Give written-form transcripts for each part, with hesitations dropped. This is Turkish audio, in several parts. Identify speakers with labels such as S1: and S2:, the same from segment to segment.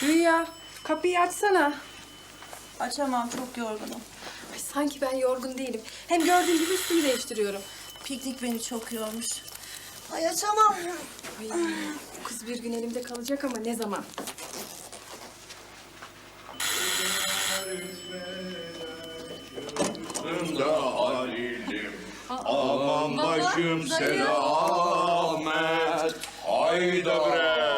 S1: Rüya, kapıyı açsana.
S2: Açamam, çok yorgunum.
S1: Ay, sanki ben yorgun değilim. Hem gördüğün gibi üstümü değiştiriyorum.
S2: Piknik beni çok yormuş. Ay açamam.
S1: Ay, bu kız bir gün elimde kalacak ama ne zaman?
S3: Da Halil'im, aman başım selamet. Hayda bre,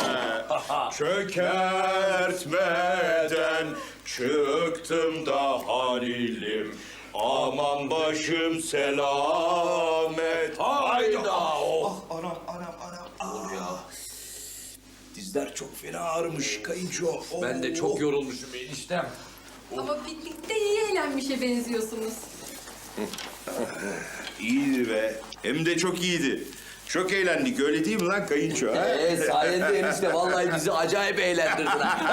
S3: çökertmeden çıktım da Halil'im. Aman başım selamet. Hayda. Oh.
S4: Anam. Oğlum ya. Dizler çok fena ağrımış kayınço.
S5: Ben de çok yorulmuşum eniştem.
S1: Ama piknikte iyi eğlenmişe benziyorsunuz.
S3: İyiydi be. Hem de çok iyiydi. Çok eğlendik öyle değil mi lan kayınço? Ha?
S5: Sayende enişte vallahi bizi acayip eğlendirdin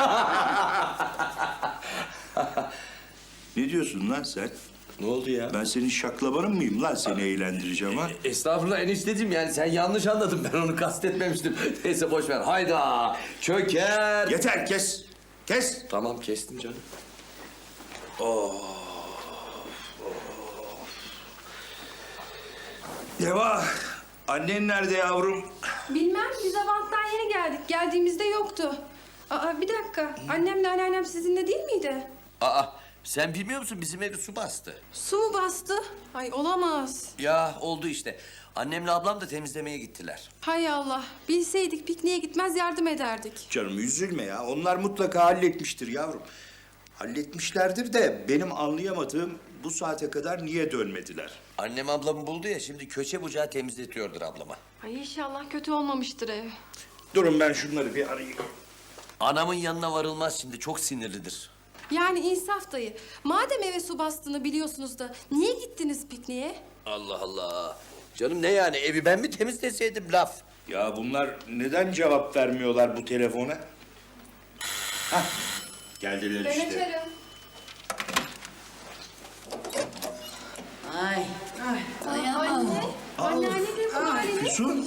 S5: ha.
S3: Ne diyorsun lan sen?
S5: Ne oldu ya?
S3: Ben senin şaklabanın mıyım lan seni eğlendireceğim ha?
S5: Estağfurullah enişteciğim yani sen yanlış anladın ben onu kastetmemiştim. Neyse boş ver hayda çöker.
S3: Yeter kes. Kes.
S5: Tamam kestim canım.
S3: Deva. Annen nerede yavrum?
S1: Bilmem, biz Avant'tan yeni geldik. Geldiğimizde yoktu. Aa, bir dakika. Annemle anneannem sizinle değil miydi?
S5: Aa sen bilmiyor musun bizim evi su bastı.
S1: Su mu bastı? Ay olamaz.
S5: Ya oldu işte. Annemle ablam da temizlemeye gittiler.
S1: Hay Allah. Bilseydik pikniğe gitmez yardım ederdik.
S3: Canım üzülme ya. Onlar mutlaka halletmiştir yavrum. Halletmişlerdir de benim anlayamadığım bu saate kadar niye dönmediler?
S5: Annem ablamı buldu ya şimdi köşe bucağı temizletiyordur ablama.
S1: Ay inşallah kötü olmamıştır ev.
S3: Durun ben şunları bir arayayım.
S5: Anamın yanına varılmaz şimdi çok sinirlidir.
S1: Yani insaf dayı. Madem eve su bastığını biliyorsunuz da niye gittiniz pikniğe?
S5: Allah Allah. Canım ne yani evi ben mi temizleseydim laf?
S3: Ya bunlar neden cevap vermiyorlar bu telefona? Hah, geldiler işte.
S1: açarım.
S2: Ay. Dayanamam.
S1: Anneanne de bu halini.
S3: Füsun.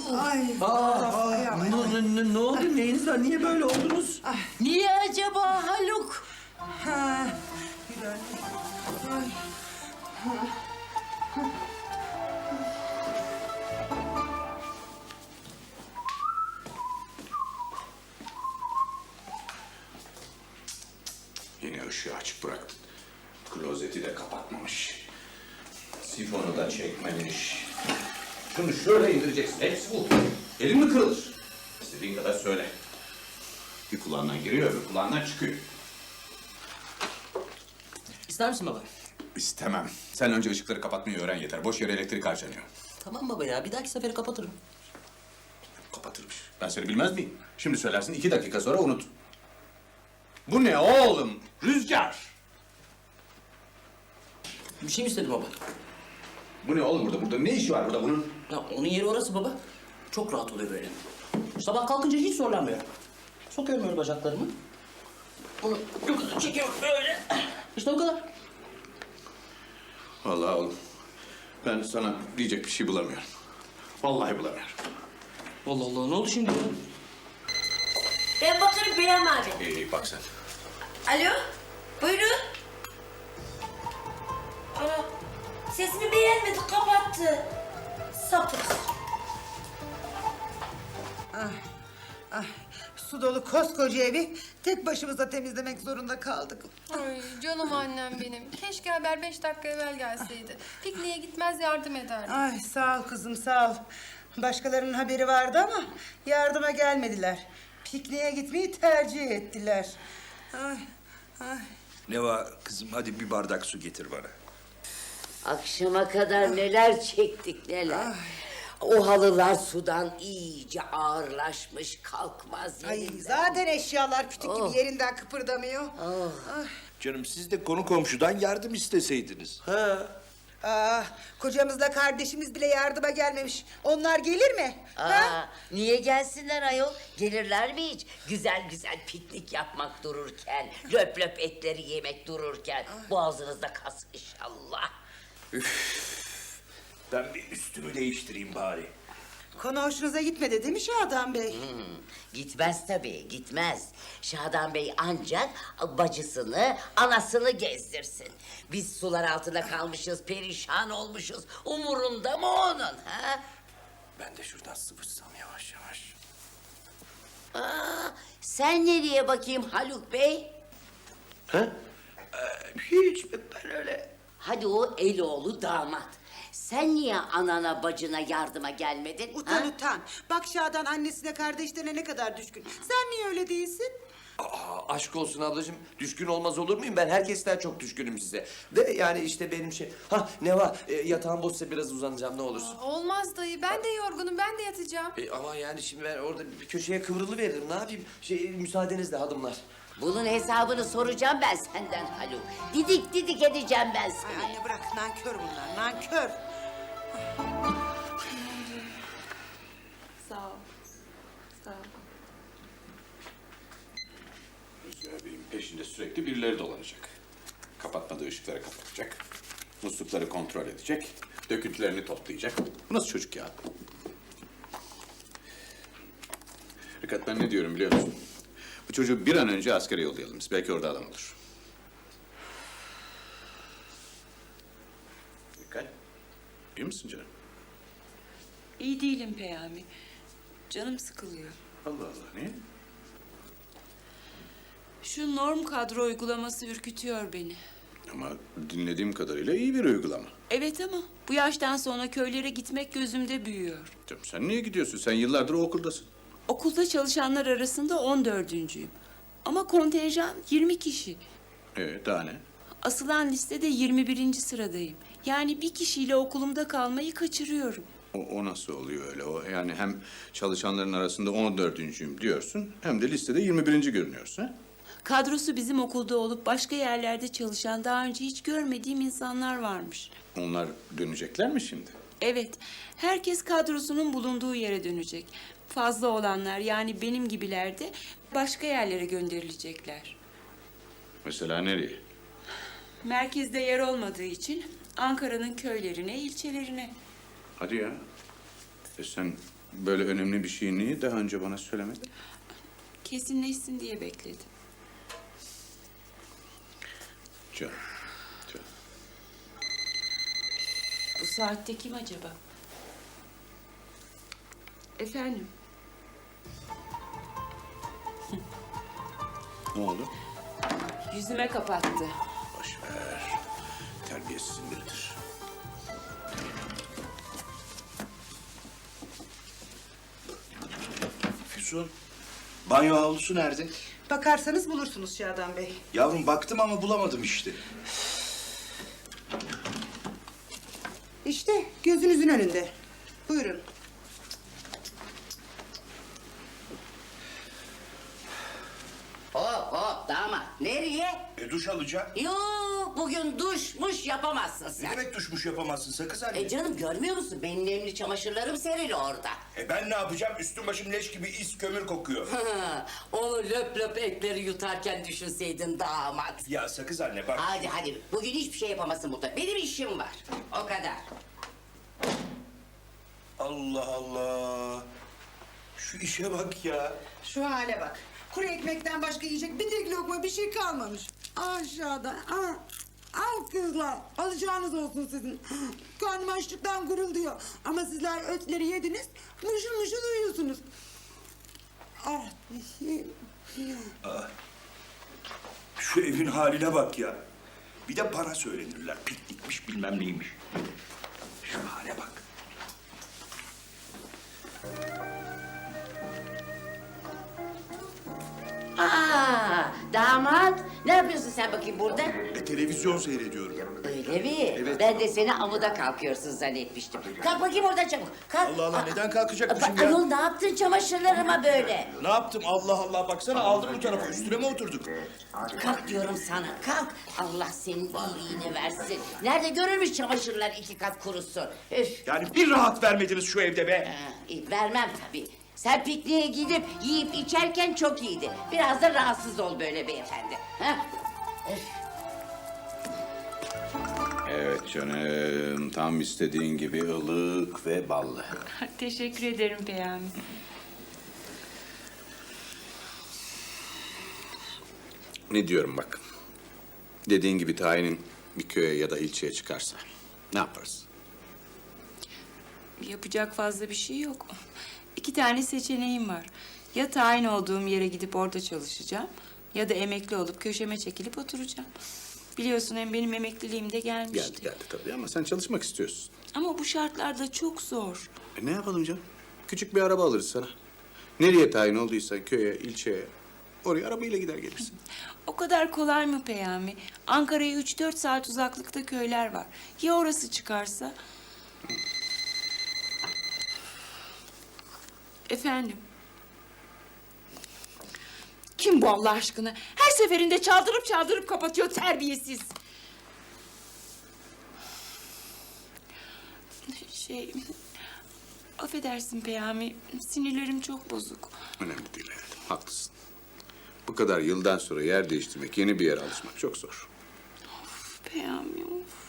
S5: Ne oldu neyiniz var niye böyle oldunuz?
S2: Niye acaba Haluk?
S6: Yine ışığı açık bıraktın. Klozeti de kapatmamış. Sifonu da çekmemiş. Şunu şöyle indireceksin. Hepsi bu. Elin mi kırılır? İstediğin kadar söyle. Bir kulağından giriyor, öbür kulağından çıkıyor.
S7: İster misin baba?
S6: İstemem. Sen önce ışıkları kapatmayı öğren yeter. Boş yere elektrik harcanıyor.
S7: Tamam baba ya, bir dahaki sefere kapatırım.
S6: Kapatırmış. Ben seni bilmez miyim? Şimdi söylersin 2 dakika sonra unut. Bu ne oğlum? Rüzgar.
S7: Bir şey mi istedi baba?
S6: Bu ne oğlum burada? Burada ne işi var burada bunun?
S7: Ya onun yeri orası baba. Çok rahat oluyor böyle. Sabah kalkınca hiç zorlanmıyor. Sokuyorum öyle bacaklarımı. Onu yukarı çekiyorum böyle. İşte o kadar.
S6: Vallahi oğlum. Ben sana diyecek bir şey bulamıyorum. Vallahi bulamıyorum.
S7: Allah Allah, ne oldu şimdi ya?
S8: Ben bakarım Peyami abi.
S6: İyi bak sen.
S8: Alo, buyurun. Ana, sesini beğenmedi, kapattı. Sapık.
S9: Su dolu koskoca evi tek başımıza temizlemek zorunda kaldık.
S1: Ay canım annem benim. Keşke haber 5 dakika evvel gelseydi. Pikniğe gitmez yardım ederdi.
S9: Ay sağ ol kızım sağ ol. Başkalarının haberi vardı ama yardıma gelmediler. Pikniğe gitmeyi tercih ettiler. Ay.
S3: Neva kızım hadi bir bardak su getir bana.
S8: Akşama kadar neler çektik neler. O halılar sudan iyice ağırlaşmış, kalkmaz
S9: Ay
S8: yerinden.
S9: zaten eşyalar kütük gibi yerinden kıpırdamıyor.
S3: Canım siz de konu komşudan yardım isteseydiniz.
S9: Kocamızla kardeşimiz bile yardıma gelmemiş. Onlar gelir mi? Ha?
S8: Niye gelsinler ayol? Gelirler mi hiç? Güzel güzel piknik yapmak dururken, löp löp etleri yemek dururken. Boğazınızda kas inşallah.
S3: Ben bir üstümü değiştireyim bari.
S9: Konu hoşunuza gitmedi değil mi Şadan Bey?
S8: Gitmez tabii, gitmez. Şadan Bey ancak bacısını, anasını gezdirsin. Biz sular altında kalmışız, perişan olmuşuz. Umurunda mı onun, ha?
S5: Ben de şuradan sıvışsam yavaş yavaş.
S8: Sen nereye bakayım Haluk Bey?
S5: Hiç, ben öyle.
S8: Hadi o Eloğlu damat. Sen niye anana bacına yardıma gelmedin?
S9: Utan
S8: ha?
S9: utan. Bak Şadan annesine kardeşlerine ne kadar düşkün. Sen niye öyle değilsin?
S5: Aa, aşk olsun ablacığım. Düşkün olmaz olur muyum? Ben herkesten çok düşkünüm size. De yani işte benim şey... Ne var? Yatağım boşsa biraz uzanacağım ne olursun.
S1: Olmaz dayı. Ben de yorgunum. Ben de yatacağım.
S5: Ama yani şimdi ben orada bir köşeye kıvrılıveririm. Ne yapayım? Müsaadenizle hanımlar.
S8: Bunun hesabını soracağım ben senden Haluk. Didik didik edeceğim ben
S9: Ay
S8: seni.
S9: anne bırak, nankör bunlar, nankör.
S1: Sağ ol. Sağ ol.
S6: Rüzgar Bey'in peşinde sürekli birileri dolanacak. Kapatmadığı ışıkları kapatacak. Muslukları kontrol edecek. Döküntülerini toplayacak. Bu nasıl çocuk ya? Rikat, ben ne diyorum biliyor musun? Bu çocuğu bir an önce askere yollayalım biz. Belki orada adam olur. Rikat, iyi misin canım?
S10: İyi değilim Peyami. Canım sıkılıyor.
S6: Allah Allah, niye?
S10: Şu norm kadro uygulaması ürkütüyor beni.
S6: Ama dinlediğim kadarıyla iyi bir uygulama.
S10: Evet ama bu yaştan sonra köylere gitmek gözümde büyüyor.
S6: Canım, sen niye gidiyorsun? Sen yıllardır o okuldasın.
S10: Okulda çalışanlar arasında 14'üncüyüm. Ama kontenjan 20 kişi.
S6: Daha ne?
S10: Asılan listede 21. sıradayım. Yani bir kişiyle okulumda kalmayı kaçırıyorum.
S6: O nasıl oluyor öyle? O yani hem çalışanların arasında 14'üncüyüm diyorsun, hem de listede 21. görünüyorsun, ha?
S10: Kadrosu bizim okulda olup başka yerlerde çalışan daha önce hiç görmediğim insanlar varmış.
S6: Onlar dönecekler mi şimdi?
S10: Evet, herkes kadrosunun bulunduğu yere dönecek. Fazla olanlar yani benim gibiler de başka yerlere gönderilecekler.
S6: Mesela nereye?
S10: Merkezde yer olmadığı için Ankara'nın köylerine, ilçelerine.
S6: Hadi ya. Sen böyle önemli bir şeyi niye daha önce bana söylemedin?
S10: Kesinleşsin diye bekledim.
S6: Canım.
S10: Bu saatte kim acaba? Efendim?
S6: Ne oldu?
S10: Yüzüme kapattı.
S6: Boş ver. Terbiyesizin biridir.
S3: Füsun, banyo havlusu nerede?
S9: Bakarsanız bulursunuz Şadan Bey.
S3: Yavrum baktım ama bulamadım işte.
S9: İşte gözünüzün önünde. Buyurun.
S8: Hop hop damat. Nereye?
S3: Duş alacağım.
S8: Yok bugün duşmuş yapamazsın
S3: Ne
S8: sen.
S3: demek duşmuş yapamazsın sakız anne?
S8: Canım görmüyor musun? Benim nemli çamaşırlarım serili orada.
S3: Ben ne yapacağım? Üstüm başım leş gibi is kömür kokuyor.
S8: Onu löp löp etleri yutarken düşünseydin damat.
S3: Ya sakız anne bak.
S8: Hadi hadi bugün hiçbir şey yapamazsın burada. Benim işim var. O kadar.
S3: Allah Allah. Şu işe bak ya.
S9: Şu hale bak. Kuru ekmekten başka yiyecek bir tek lokma bir şey kalmamış. Aşağıda. Al kızlar. Alacağınız olsun sizin. Karnım açlıktan gurulduyor. Ama sizler ötleri yediniz. Mışıl mışıl uyuyorsunuz.
S3: Şu evin haline bak ya. Bir de bana söylenirler. Piknikmiş bilmem neymiş. Şu hale bak.
S8: Damat ne yapıyorsun sen bakayım burada?
S3: Televizyon seyrediyorum.
S8: Öyle mi?
S3: Evet.
S8: Ben de seni amuda kalkıyorsun zannetmiştim. Kalk bakayım oradan çabuk. Kalk.
S3: Allah Allah neden kalkacakmışım
S8: Bak,
S3: ya?
S8: ayol ne yaptın çamaşırlarıma böyle?
S3: Ne yaptım? Allah Allah baksana aldım bu tarafa. Üstüne mi oturduk?
S8: Kalk diyorum sana kalk. Allah senin iyiliğini versin. Nerede görülmüş çamaşırlar 2 kat kurusun. Üf.
S3: Yani bir rahat vermediniz şu evde be.
S8: Vermem tabii. Sen pikniğe gidip yiyip içerken çok iyiydi. Biraz da rahatsız ol böyle beyefendi. Ha? Üf.
S6: Evet. Evet canım, tam istediğin gibi ılık ve ballı.
S10: Teşekkür ederim Peyami.
S6: Ne diyorum bak. Dediğin gibi tayinin bir köye ya da ilçeye çıkarsa ne yaparız?
S10: Yapacak fazla bir şey yok. 2 tane seçeneğim var. Ya tayin olduğum yere gidip orada çalışacağım ya da emekli olup köşeme çekilip oturacağım. Biliyorsun hem benim emekliliğim de gelmişti.
S6: Geldi tabii ama sen çalışmak istiyorsun.
S10: Ama bu şartlarda çok zor.
S6: Ne yapalım canım? Küçük bir araba alırız sana. Nereye tayin olduysan köye, ilçeye, oraya arabayla gider gelirsin.
S10: O kadar kolay mı Peyami? Ankara'ya 3-4 saat uzaklıkta köyler var. Ya orası çıkarsa? Efendim? Kim bu Allah aşkına? Her seferinde çaldırıp kapatıyor terbiyesiz. Affedersin Peyami, sinirlerim çok bozuk.
S6: Önemli değil hayatım, haklısın. Bu kadar yıldan sonra yer değiştirmek, yeni bir yere alışmak çok zor.
S10: Peyami, of.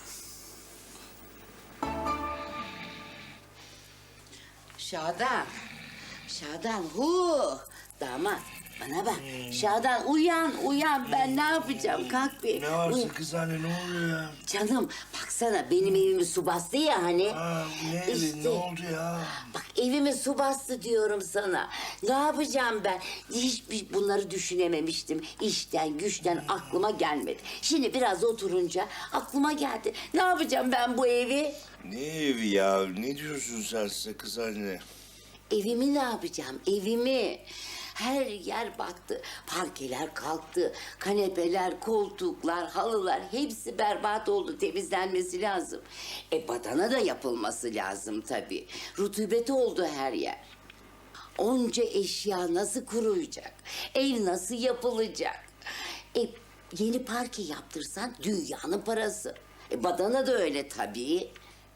S8: Şadan. Şadan damat bana bak. Şadan uyan ben ne yapacağım kalk bir.
S11: Ne var kız anne, ne oluyor ya?
S8: Canım baksana benim evimi su bastı ya hani.
S11: Ne evi,
S8: İşte.
S11: ne oldu ya?
S8: Bak evimi su bastı diyorum sana. Ne yapacağım ben? Hiç bunları düşünememiştim. İşten güçten aklıma gelmedi. Şimdi biraz oturunca aklıma geldi. Ne yapacağım ben bu evi?
S11: Ne evi ya? Ne diyorsun sen kız anne?
S8: Evimi ne yapacağım? Evimi. Her yer battı. Parkeler kalktı. Kanepeler, koltuklar, halılar hepsi berbat oldu. Temizlenmesi lazım. Badana da yapılması lazım tabii. Rutubet oldu her yer. Onca eşya nasıl kuruyacak? Ev nasıl yapılacak? Yeni parke yaptırsan dünyanın parası. Badana da öyle tabii.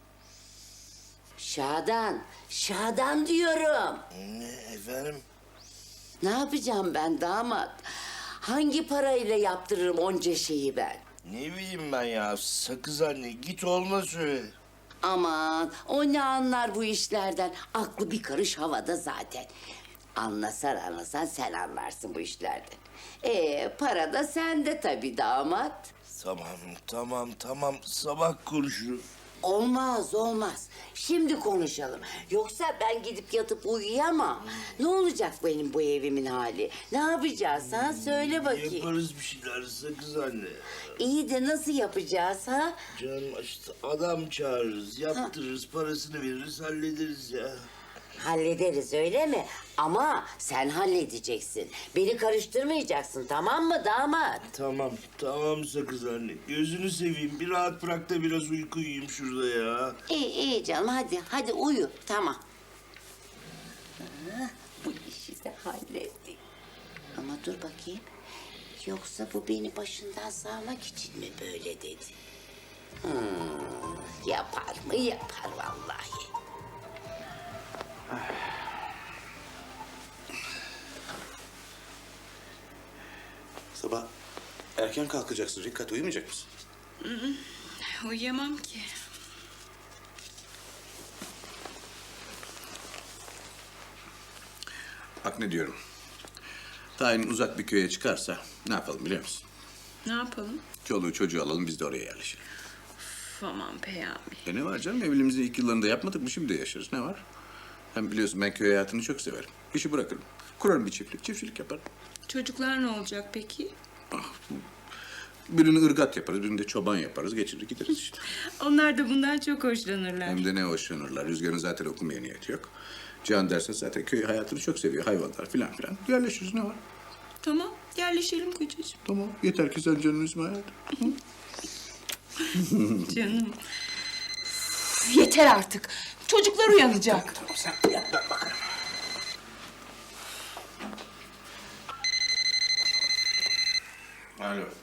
S8: Şadan diyorum.
S11: Ne efendim?
S8: Ne yapacağım ben damat? Hangi parayla yaptırırım onca şeyi ben?
S11: Ne bileyim ben ya, sakız anne, git oğluna söyle.
S8: Aman o ne anlar bu işlerden? Aklı bir karış havada zaten. Anlasan sen anlarsın bu işlerden. Para da sende tabii damat.
S11: Tamam, sabah konuşuruz.
S8: Olmaz. Şimdi konuşalım. Yoksa ben gidip yatıp uyuyamam. Ne olacak benim bu evimin hali? Ne yapacağız ha? Söyle bakayım.
S11: Yaparız bir şeyler sakız anne.
S8: İyi de nasıl yapacağız ha?
S11: Canım işte adam çağırırız, yaptırırız, parasını veririz, hallederiz ya.
S8: Hallederiz öyle mi? Ama sen halledeceksin. Beni karıştırmayacaksın tamam mı damat?
S11: Tamam sakız anne. Gözünü seveyim, bir rahat bırak da biraz uyku uyuyayım şurada ya.
S8: İyi canım hadi uyu tamam. Bu işi de hallettik. Ama dur bakayım. Yoksa bu beni başından sağmak için mi böyle dedi? Yapar mı? Yapar vallahi.
S6: Sabah erken kalkacaksın Rikkat, uyumayacak mısın?
S10: Uyuyamam ki.
S6: Bak ne diyorum. Tayin uzak bir köye çıkarsa ne yapalım biliyor musun?
S10: Ne yapalım?
S6: Çoluğu çocuğu alalım biz de oraya yerleşelim.
S10: Aman Peyami.
S6: Ne var canım, evliliğimizin ilk yıllarında yapmadık mı, şimdi de yaşarız, ne var? Hem biliyorsun ben köy hayatını çok severim. İşi bırakırım. Kurarım bir çiftçilik yaparım.
S10: Çocuklar ne olacak peki?
S6: Birini ırgat yaparız, birini de çoban yaparız. Geçirir gideriz işte.
S10: Onlar da bundan çok hoşlanırlar.
S6: Hem de ne hoşlanırlar. Rüzgar'ın zaten okumaya niyeti yok. Can derse zaten köy hayatını çok seviyor. Hayvanlar filan. Yerleşiriz, ne var?
S10: Tamam, yerleşelim kocacığım.
S6: Tamam. Yeter ki sen canını üzme hayatım.
S10: Canım. Yeter artık. Çocuklar uyanacak.
S6: Tamam sen yat, ben bakarım. Alo.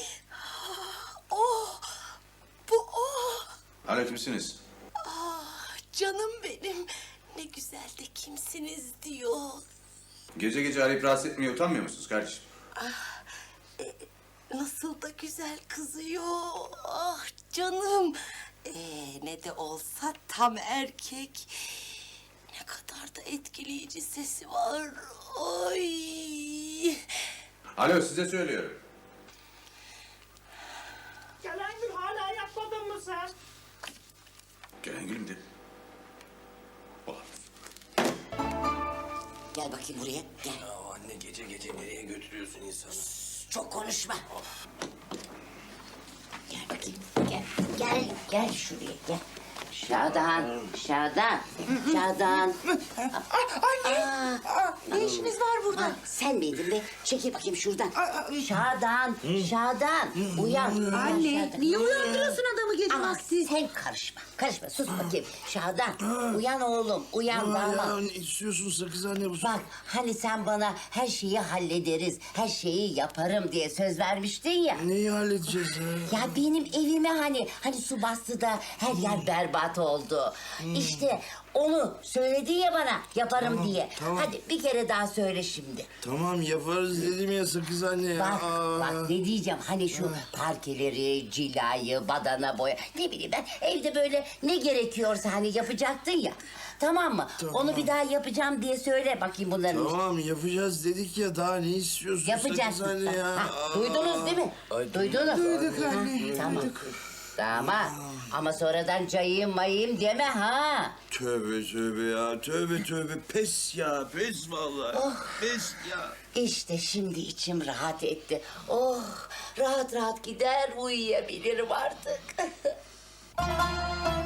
S6: Alo, kimsiniz?
S2: Canım benim. Ne güzel de kimsiniz diyor.
S6: Gece gece arayıp rahatsız etmeye utanmıyor musunuz kardeşim?
S2: Nasıl da güzel kızıyor. canım. Ne de olsa tam erkek. Ne kadar da etkileyici sesi var. Ay.
S6: Alo, size söylüyorum.
S7: Gelengül hala yapmadın mı sen?
S6: Gelengül'üm de. Ulan.
S8: Gel bakayım buraya. Gel.
S5: Ya anne gece gece nereye götürüyorsun insanı?
S8: Çok konuşma. Gel bakayım. Gel. Gel şuraya gel. Şadan. Şadan.
S9: Anne. Ne işiniz var burada?
S8: Ha, sen miydin be? Çekil bakayım şuradan. Şadan. Uyan.
S9: Anne,
S8: Şadan.
S9: niye uyandırıyorsun adamı gece
S8: Ama
S9: vakti?
S8: sen karışma. Sus bakayım. Şadan. Uyan oğlum. Uyan damat.
S11: Ne istiyorsun sakız anne bu?
S8: Bak hani sen bana her şeyi hallederiz, her şeyi yaparım diye söz vermiştin ya.
S11: Neyi halledeceğiz ya?
S8: Ya benim evime hani su bastı da her yer berbat oldu. İşte onu söyledin ya bana yaparım diye.
S11: tamam.
S8: Hadi bir kere daha söyle şimdi.
S11: Tamam yaparız dedim ya sakız anne ya.
S8: Bak ne diyeceğim hani şu parkeleri, cilayı, badana boya ne bileyim ben evde böyle ne gerekiyorsa hani yapacaktın ya. Tamam mı? Onu bir daha yapacağım diye söyle bakayım bunların.
S11: Tamam yapacağız dedik ya daha ne istiyorsun
S8: Yapacaksın.
S11: sakız anne ya?
S8: Ha, duydunuz değil mi? Duydunuz.
S9: Duyduk anne,
S8: Tamam. Tamam. Ama sonradan cayayım mayayım deme ha.
S11: Tövbe ya tövbe pes ya pes vallahi. Pes ya.
S8: İşte şimdi içim rahat etti. Oh rahat gider uyuyabilirim artık.